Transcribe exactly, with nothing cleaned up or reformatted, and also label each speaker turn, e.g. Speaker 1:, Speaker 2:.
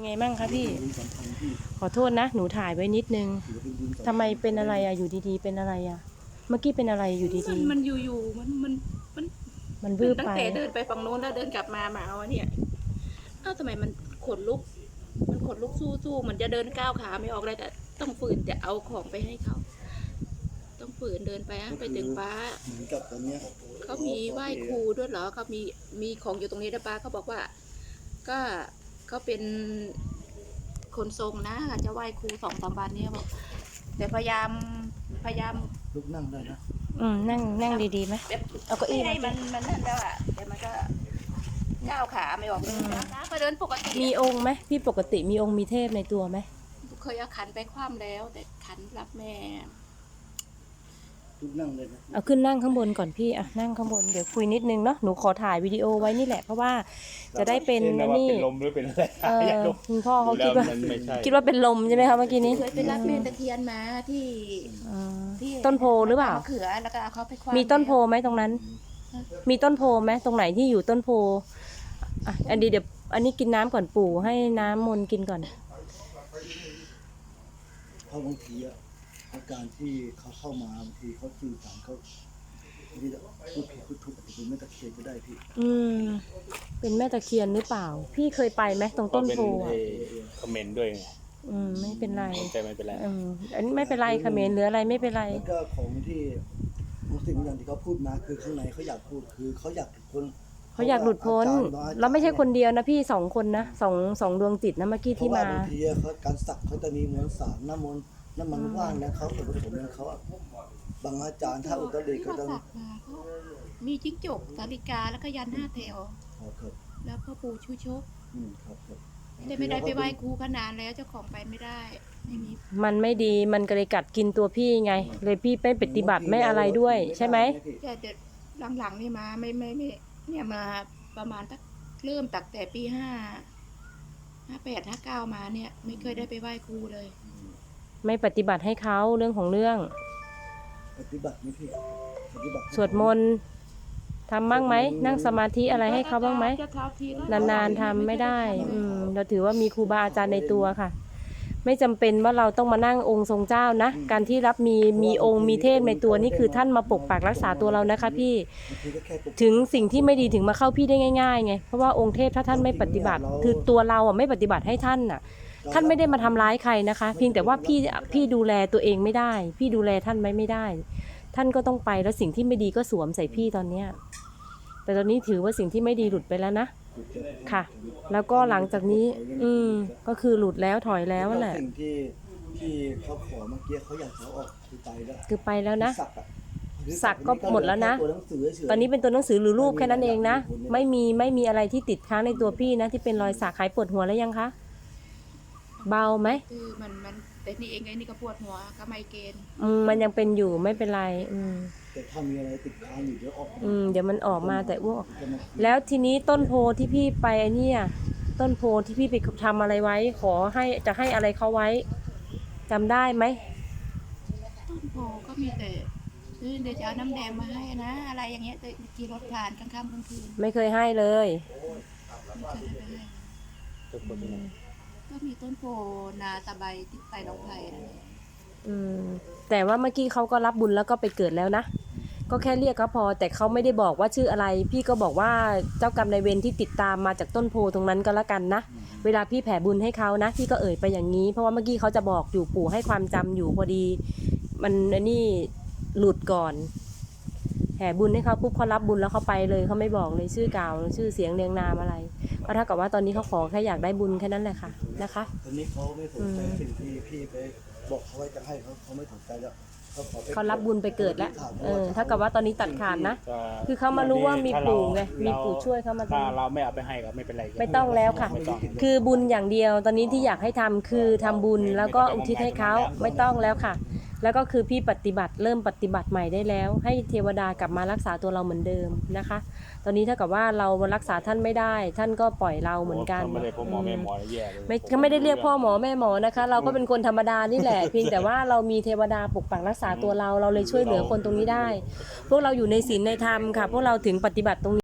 Speaker 1: ไงมั่งคะพี่ขอโทษนะหนูถ่ายไว้นิดนึงทำไมเป็นอะไรอะอยู่ดีๆเป็นอะไรอะเมื่อกี้เป็นอะไรอยู่ดี
Speaker 2: มันมันอยู่ๆมันมันมัน
Speaker 1: ๆมันวืบ
Speaker 2: ตั้
Speaker 1: ไป
Speaker 2: งแต่เดินไปฝั่งโน้นแล้วเดินกลับมาหมาเอาเนี่ยเอ้าทำไมมันขนลุกมันขนลุกสู้ๆมันจะเดินก้าวขาไม่ออกเลยแต่ต้องฝืนจะเอาของไปให้เขาต้องฝืนเดินไปไปถึงป้า
Speaker 3: เหมือนกับตอนเนี้ย
Speaker 2: เขามีไหว้ครูด้วยเหรอเขามีมีของอยู่ตรงนี้นะป้าเขาบอกว่า ก็เขาเป็นคนทรงนะจะไหว้ครูสองสามวันนี้บอกแต่พยายามพยายาม
Speaker 3: ลุกนั่งได้นะ
Speaker 1: อืมนั่งนั่งดีๆไหม
Speaker 2: แบบ
Speaker 1: เอาเก้าอี้
Speaker 2: ให้
Speaker 1: มา
Speaker 2: มันมันนั่นแล้วอ่ะแต่มันก็ก้าวขาไม่ออกเลยนะก็เดินปกติ
Speaker 1: มีองค์ไหมพี่ปกติมีองค์มีเทพในตัวไหม
Speaker 2: เคยเอาขันไปคว่ำแล้ว แต่ขันรับแม่
Speaker 3: ลุกนั่งเลยนะ
Speaker 1: เอาขึ้นนั่งข้างบนก่อนพี่อ่ะนั่งข้างบนเดี๋ยวคุยนิดนึงเนาะหนูขอถ่ายวิดีโอไว้นี่แหละเพราะว่าจะได้เป็น
Speaker 4: ว่า
Speaker 1: นี่
Speaker 4: เป็นลมหรือเป็นอะไร
Speaker 1: เออ
Speaker 4: อยากรู้
Speaker 1: คุณพ่อเขาคิดว่า
Speaker 4: มันไม่ใช่
Speaker 1: คิดว่าเป็นลมใช่ไหมคะเมื่อกี้นี้
Speaker 2: เคยไปรับแม่ตะเคียนมาที่
Speaker 1: อืม
Speaker 2: ที่
Speaker 1: ต้นโพหรือเปล่า
Speaker 2: มะเขือแล้วก็เอาเขาไปคว่ำ
Speaker 1: มีต้นโพไหมตรงนั้น มีต้นโพไหมตรงไหนที่อยู่ต้นโพอ่ะอันดีเดี๋ยวอันนี้กินน้ำก่อนปู่ให้น้ำมนต์กินก่อน
Speaker 3: เพราะบางทีอะอาการที่เขาเข้ามาบางทีเขาสื่อสารเขาบางทีพูดผิดพูดถูกอาจจะเป็นแม่ตะเคียนก็ได้พี่
Speaker 1: อืมเป็นแม่ตะเคียนหรือเปล่า พี่เคยไปไหมตรงต้นโพ
Speaker 4: เป็น
Speaker 1: อ่ะ
Speaker 4: ไอ้คอมเมนต์ด้วยไง
Speaker 1: อืมไม่เป็นไร
Speaker 4: แต่ไม่เป็นไร
Speaker 1: อืมอันนี้ไม่เป็นไรเขมรหรืออะไรไม่เป็นไร
Speaker 3: แล้วก็ของที่บางสิ่งบางอย่างที่เขาพูดมาคือข้างในเขาอยากพูดคือเขาอยากหลุดพ้น
Speaker 1: เขาอยากหลุดพ้นแล้วไม่ใช่คนเดียวนะพี่สองคนนะสองสองดวงจิตนะเมื่อกี้
Speaker 3: เพ
Speaker 1: ที่
Speaker 3: ราะว่า
Speaker 1: มา
Speaker 3: บางทีเขาการสักเขาจะมีมวลสารน้ำมนต์น้ำมันว่างนะเขาส่วนผสมของเขาอะบางอาจารย์ถ้าอุตริก็จะ
Speaker 2: ที่เขาสักมาเขามีจิ้งจกสาลิกาแล้วก็ยันห้าแถว
Speaker 3: อ๋อครับ
Speaker 2: แล้วพ่อปู่ชูชก
Speaker 3: อืมครับครับ
Speaker 2: แต่ไม่ได้ไปไหว้ครูขนานแล้วเจ้าของไปไม่ได้ไม่มี
Speaker 1: มันไม่ดีมันก็เลยกัดกินตัวพี่ไง เลยพี่ไม่ปฏิบัติไม่อะไรด้วยใช่ไหม
Speaker 2: แต่เด็ดหลังๆนี่มาไม่ไม่ไม่เนี่ยมาประมาณตั้งเริ่มตักแต่ปีห้าห้าแปดห้าเก้ามาเนี่ย ไม่เคยได้ไปไหว้ครูเลย
Speaker 1: ไม่ปฏิบัติให้เขาเรื่องของเรื่อง
Speaker 3: ปฏิบัติไหมพี่ปฏิบัติ
Speaker 1: สวดมนต์ทำบ้างไหมนั่งสมาธิอะไรให้เขาบ้างไหมนานๆทำไม่ได้อืมเราถือว่ามีครูบาอาจารย์ในตัวค่ะ ไม่จำเป็นว่าเราต้องมานั่งองค์ทรงเจ้านะการที่รับมีมีองค์มีเทพในตัวนี่คือท่านมาปกปักรักษาตัวเรานะคะพี่
Speaker 3: บางทีก็แค่ปก
Speaker 1: ถึงสิ่งที่ไม่ดีถึงมาเข้าพี่ได้ง่ายๆไงเพราะว่าองค์เทพถ้าท่านไม่ปฏิบัติคือตัวเราอ่ะไม่ปฏิบัติให้ท่านอ่ะ ท่านไม่ได้มาทำร้ายใครนะคะ เพียงแต่ว่าพี่พี่ดูแลตัวเองไม่ได้ พี่ดูแลท่านไว้ไม่ได้ ท่านก็ต้องไปแล้วสิ่งที่ไม่ดีก็สวมใส่พี่ตอนเนี้ยแต่ตอนนี้ถือว่าสิ่งที่ไม่ดีหลุดไปแล้วนะค่ะ แล้วก็หลังจากนี้ อืมก็คือหลุดแล้วถอยแล้วแหละ
Speaker 3: สิ่งที่ที่เขาขอเมื่อกี้เขาอยากจะเอาออกคือไปแล้ว
Speaker 1: คือไปแล้วนะ
Speaker 3: สักอะ
Speaker 1: สักก็หมดแล้วนะ
Speaker 3: ตัวหนังสือเฉยๆ
Speaker 1: ตอนนี้เป็นตัวหนังสือหรือรูปแค่นั้นเองนะไม่มีไม่มีอะไรที่ติดค้างในตัวพี่นะที่เป็นรอยสักหายปวดหัวแล้วยังคะเบาไหม
Speaker 2: คือมันมันแต่นี่เองไอ้นี่ก็ปวดหัวก็ไมเกรน
Speaker 1: อืมมันยังเป็นอยู่ไม่เป็นไรอืม
Speaker 3: แต่ถ้ามีอะไรติดค้างอยู่เดี๋ยวออกมา
Speaker 1: อืมเดี๋ยวมันออกมาแต่อ้วก
Speaker 3: จะมา
Speaker 1: แล้วทีนี้ต้นโพที่พี่ไปไอ้เนี่ยต้นโพที่พี่ไปทำอะไรไว้ ขอให้จะให้อะไรเขาไว้จำได้ไหม
Speaker 2: ต้นโพก็มีแต่คือเดี๋ยวจะเอาน้ำแดงมาให้นะ อะไรอย่างเงี้ยแต่ขี่รถผ่านกลางค่ำกลางคืน
Speaker 1: ไม่เคยให้เลย
Speaker 2: ไม่เคยได้ไปให้
Speaker 4: ทุกคนที่ไหน
Speaker 2: ก็มีต้นโพนาตะไบติดไปหนองไผ่นั่นแหละ
Speaker 1: อืมแต่ว่าเมื่อกี้เขาก็รับบุญแล้วก็ไปเกิดแล้วนะก็แค่เรียกเขาพอ แต่เขาไม่ได้บอกว่าชื่ออะไร พี่ก็บอกว่าเจ้ากรรมนายเวรที่ติดตามมาจากต้นโพตรงนั้นก็แล้วกันนะเวลาพี่แผ่บุญให้เขานะพี่ก็เอ่ยไปอย่างนี้ เพราะว่าเมื่อกี้เขาจะบอกอยู่ปู่ให้ความจำอยู่พอดี มันอันนี้หลุดก่อนแผ่บุญให้เขาปุ๊บเขารับบุญแล้วเขาไปเลยเขาไม่บอกเลยชื่อกล่าวชื่อเสียงเรียงนามอะไรก็เท่ากับว่าตอนนี้เขาขอแค่อยากได้บุญแค่นั้นแหละค่ะนะคะ
Speaker 3: ตอนนี้เขาไม่สนใจสิ่งที่พี่ไปบอกเขาไว้จะให้เขาเขาไม่สนใจแล้วเขาขอไป
Speaker 1: เขารับบุญไปเกิดแล้วเออเท่ากับว่าตอนนี้ตัดขาดนะ
Speaker 4: ก็
Speaker 1: คือเขามารู้ว่ามีปู่ไงมี
Speaker 4: เรา
Speaker 1: ปู่ช่วยเขามา
Speaker 4: ถ้า
Speaker 1: ทำ
Speaker 4: เราไม่เอาไปให้ก็ไม่เป็นไร
Speaker 1: ไม่ต้องแล้วค่ะ
Speaker 4: ไม่ต้อง
Speaker 1: คือบุญอย่างเดียวตอนนี้ที่อยากให้ทำคือทำบุญแล้วก็อุทิศให้เขาไม่ต้องแล้วค่ะ แล้วก็คือพี่ปฏิบัติเริ่มปฏิบัติใหม่ได้แล้ว ให้เทวดากลับมารักษาตัวเราเหมือนเดิมนะคะ ตอนนี้เท่ากับว่าเรารักษาท่านไม่ได้ ท่านก็ปล่อยเราเหมือนกัน
Speaker 4: ไม่ได้พ่อหมอแม่หมอแย่เลย
Speaker 1: ไม่เขาไม่ได้เรียกพ่อหมอแม่หมอนะคะ เราก็เป็นคนธรรมดานี่แหละ เพียงแต่ว่าเรามีเทวดาปกปักรักษาตัวเราเราเลยช่วยเหลือคนตรงนี้ได้ พวกเราอยู่ในศีลในธรรมค่ะ พวกเราถึงปฏิบัติตรงนี้